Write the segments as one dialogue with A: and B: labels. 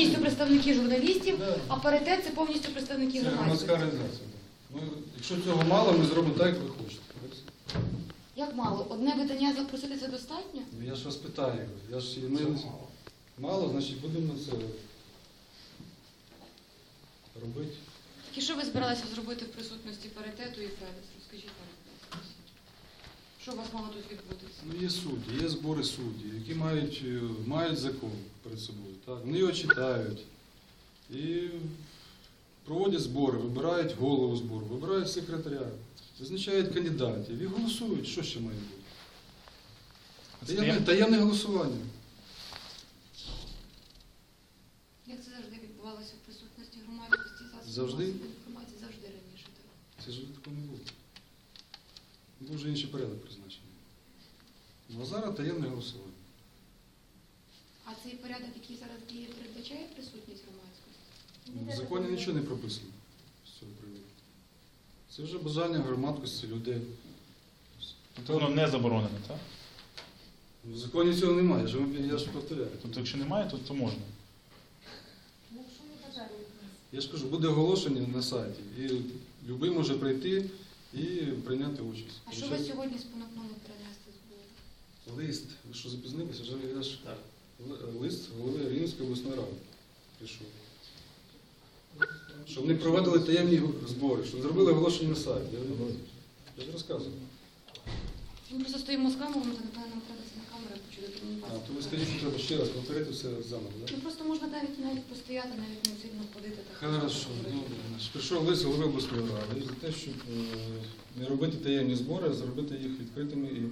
A: повністю представники журналістів,
B: Да.
A: а паритет – це повністю представники
B: Це громадська
A: громадськості.
B: організація. Ну, якщо цього мало, ми зробимо так, як ви хочете.
A: Як мало? Одне видання запросити – це достатньо?
B: Ну, я ж вас питаю. Мало, значить будемо це робити.
A: Так і що ви збиралися зробити в присутності паритету і Федес? Розкажіть нам. Що у вас мало тут відбутися?
B: Ну, є судді, є збори суддів, які мають закон перед собою. Так? Вони його читають і проводять збори, вибирають голову збору, вибирають секретаря, визначають кандидатів і голосують. Що ще має бути? Таємне голосування.
A: Як це завжди відбувалося в присутності громадськості?
B: Завжди?
A: Інформації завжди раніше. Так.
B: Це ж такого не було. Був вже інший порядок призначений. Ну, а зараз таємне голосування.
A: А цей порядок, який зараз діє, передбачає присутність громадськості?
B: В законі нічого не прописано з цього приводу. Це вже бажання громадськості людей.
C: Тобто воно не заборонено, так?
B: В законі цього немає, я ж повторяю.
C: Тобто якщо немає, то можна.
B: Я ж кажу, буде оголошення на сайті, і будь-який може прийти і прийняти участь.
A: А що ви сьогодні спонукнули перенести збори?
B: Лист. Ви що, запізнилися? Я ж лист голови Рівненської обласної ради прийшов. Щоб не проводили таємні збори, щоб зробили оголошення на сайті. Я ж розказую.
A: Ми просто стоїмо з камерами, то напевно нам треба це на камеру почути.
B: А, то ви скажіть, що треба ще раз повторити все заново, так?
A: Ну просто можна навіть постояти, навіть не сильно ходити. Так.
B: Хорошо. Прийшов лист голови обласної ради за те, щоб не робити таємні збори, а зробити їх відкритими і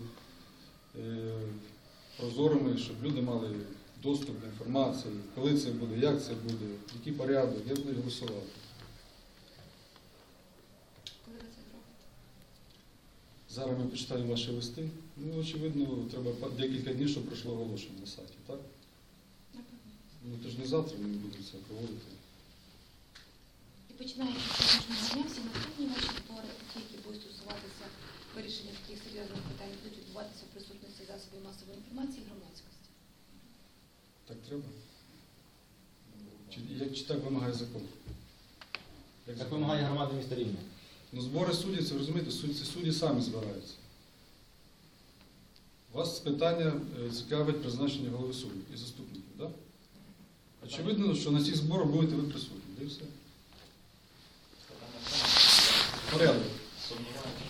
B: прозорими, щоб люди мали доступ до інформації, коли це буде, як це буде, який порядок, як будуть голосувати.
A: Коли ви це зробите?
B: Зараз ми почитаємо ваші листи. Ну, очевидно, треба декілька днів, щоб пройшло оголошення на сайті, так? Ну, то ж не завтра ми будемо це проводити.
A: І починаючи з сьогоднішнього дня, всі наступні ваші збори, ті, які будуть стосуватися вирішення таких серйозних питань, будуть відбуватися в присутності засобів масової інформації і громадськості.
B: Так треба? Чи так вимагає закон?
D: Так вимагає громада міста Рівне.
B: Ну, збори суддів, це ви розумієте, судді самі збираються. Вас питання цікавить призначення голови суддів і заступників, так? Очевидно, що на цих зборах будете ви присутні. Де все? Порядок.